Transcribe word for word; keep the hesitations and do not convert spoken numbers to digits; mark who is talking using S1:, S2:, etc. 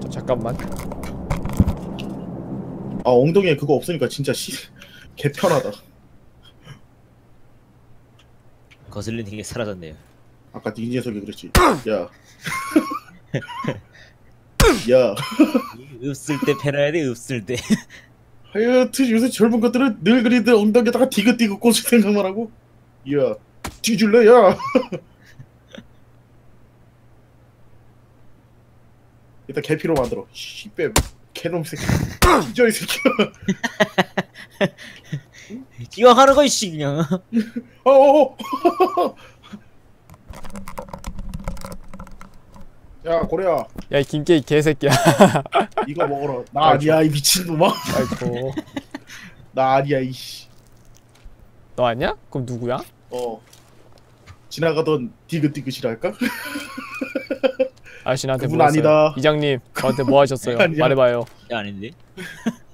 S1: 잠깐만.
S2: 아 엉덩이에 그거 없으니까 진짜 씨 개편하다.
S3: 거슬리는 게 사라졌네요.
S2: 아까 네 녀석이 그랬지. 야. 야.
S3: 읍쓸 때 패러야 돼. 읍쓸 때.
S2: 하여튼 요새 젊은 것들은 늘 그리듯 엉덩이에다가 디귿디귿 꽂을 생각만 하고. 야. 뒤질래 야. 일단 개피로 만들어. 씨빼 개놈 새끼. 뒤져 이 새끼야.
S3: 기왕하는 거 이씨 그냥.
S2: 어어. 야 고래야.
S1: 야, 이 김깨이 개새끼야.
S2: 이거 먹어라. 나 아니야 이 미친놈아.
S1: 아이고.
S2: 나 아니야 이씨.
S1: 너 아니야? 그럼 누구야?
S2: 어. 지나가던 디귿디귿이랄까?
S1: 아저씨 나한테
S2: 그분
S1: 물었어요.
S2: 아니다.
S1: 이장님 저한테 뭐 하셨어요?
S2: 아니야.
S1: 말해봐요.
S3: 아닌데.